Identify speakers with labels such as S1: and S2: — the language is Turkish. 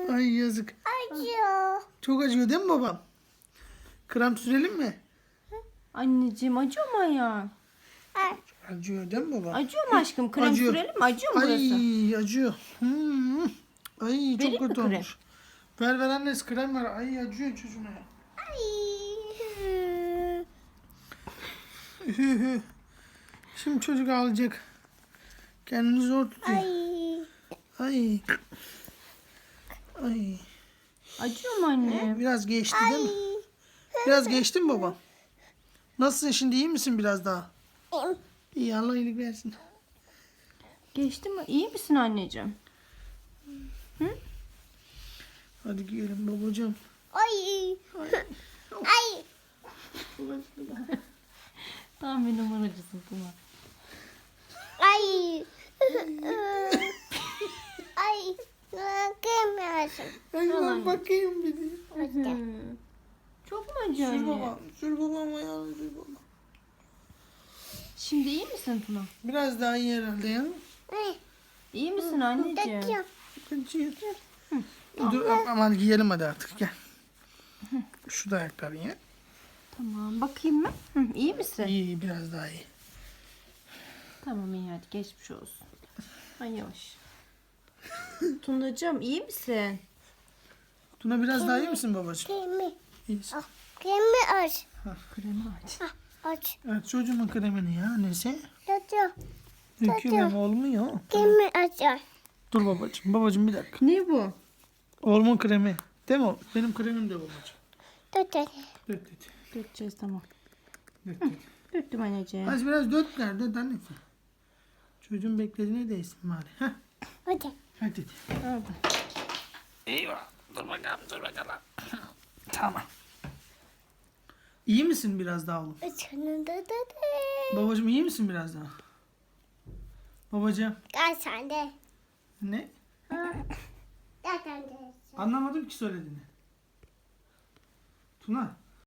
S1: Ay yazık.
S2: Acıyor.
S1: Çok acıyor değil mi babam? Krem sürelim mi?
S3: Anneciğim acıyor mu ayağın?
S1: Acıyor değil mi baba?
S3: Acıyor mu aşkım? Krem
S1: Acıyor.
S3: sürelim mi? Acıyor mu burası?
S1: Ay acıyor. Ay çok
S3: Vereyim mi
S1: kötü
S3: krem?
S1: olmuş. Ver annesi krem ver. Ay acıyor çocuğuna. Şimdi çocuk ağlayacak. Kendini zor tutuyor. Ay. Ay.
S3: Acıyor mu anne?
S1: Biraz geçti değil mi? Biraz geçti mi baba? Nasılsın şimdi, iyi misin biraz daha? İyi, Allah iyilik versin.
S3: Geçti mi? İyi misin anneciğim?
S1: Hadi giyelim babacığım.
S2: Ay.
S3: Tam bir numaracısın Tuna.
S2: Ay. Ay. Bakmıyorsun.
S1: Ay ben bakayım bir de.
S3: Çok mu acıyor
S1: Sür
S3: anne?
S1: babam. Sür babam ayağını sür babam.
S3: Şimdi iyi misin Tuna?
S1: Biraz daha iyi herhalde ya.
S3: İyi misin anneciğim?
S2: Bakıyorum.
S1: Acıyor. Dur aman giyelim hadi artık gel. Şu da ayakkabı ya.
S3: Tamam bakayım mı? İyi misin?
S1: İyi, biraz daha iyi.
S3: Tamam iyi hadi geçmiş olsun. Ay yavaş. Tunacığım iyi misin?
S1: Tuna biraz daha iyi misin babacığım?
S2: Kremi.
S1: İyisin.
S2: Kremi aç.
S3: Kremi aç.
S2: Aç.
S1: Evet, çocuğumun kremini ya annesi.
S2: Tutuyor.
S1: Döküyorum, olmuyor.
S2: Kremi aç.
S1: Dur babacığım. Babacığım bir dakika.
S3: Ne bu?
S1: Oğlumun kremi. Değil mi o? Benim kremim de babacığım.
S2: Tutuyor.
S1: Dök.
S3: Dökeceğiz tamam.
S1: Dök.
S3: Döktüm anneciğim.
S1: Hadi biraz dökler. Dök annesi. Çocuğun beklediğine değsin bari. Heh.
S2: Hadi.
S1: Hadi.
S3: Orada.
S1: Eyvah. Dur bakalım. Tamam. İyi misin biraz daha oğlum?
S2: Sonunda da.
S1: Babacığım iyi misin biraz daha? Babacığım.
S2: Gel sen de.
S1: Ne?
S2: Gel sen de.
S1: Anlamadım ki söylediğini. Tuna.